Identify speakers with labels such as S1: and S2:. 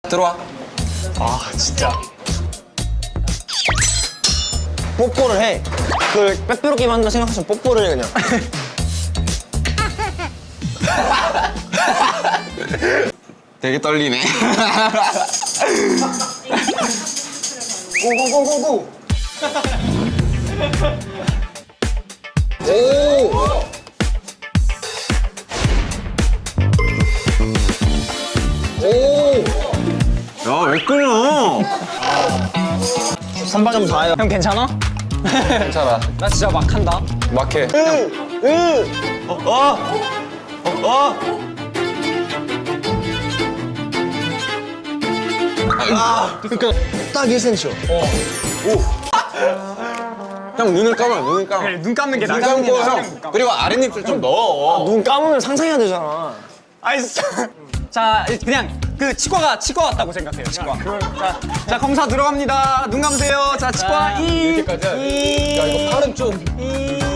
S1: 들어와.
S2: 아 진짜.
S3: 뽀뽀를 해. 그걸 빼빼로게임 한다 생각하시면 뽀뽀를 해 그냥.
S1: 되게 떨리네.
S3: 고고고고고.
S1: 야, 왜 끊어?
S3: 선방점 4요.
S2: 형 괜찮아?
S1: 괜찮아.
S2: 나 진짜 막 한다.
S1: 막해.
S3: 그러니까 딱 1cm.
S1: 형 눈을 감아, 눈을 감아.
S2: 그래, 눈 감는 게
S1: 눈
S2: 나가는 게
S1: 감고
S2: 나아.
S1: 형. 그리고 아랫입술 좀 넣어.
S3: 눈 감으면 상상해야 되잖아.
S2: 아이 진짜. 자 그냥 그 치과 같다고 생각해요. 치과. 자 검사 들어갑니다. 눈 감으세요. 자 치과
S1: 이렇게까지 해야 돼. 야, 이거 팔은 좀.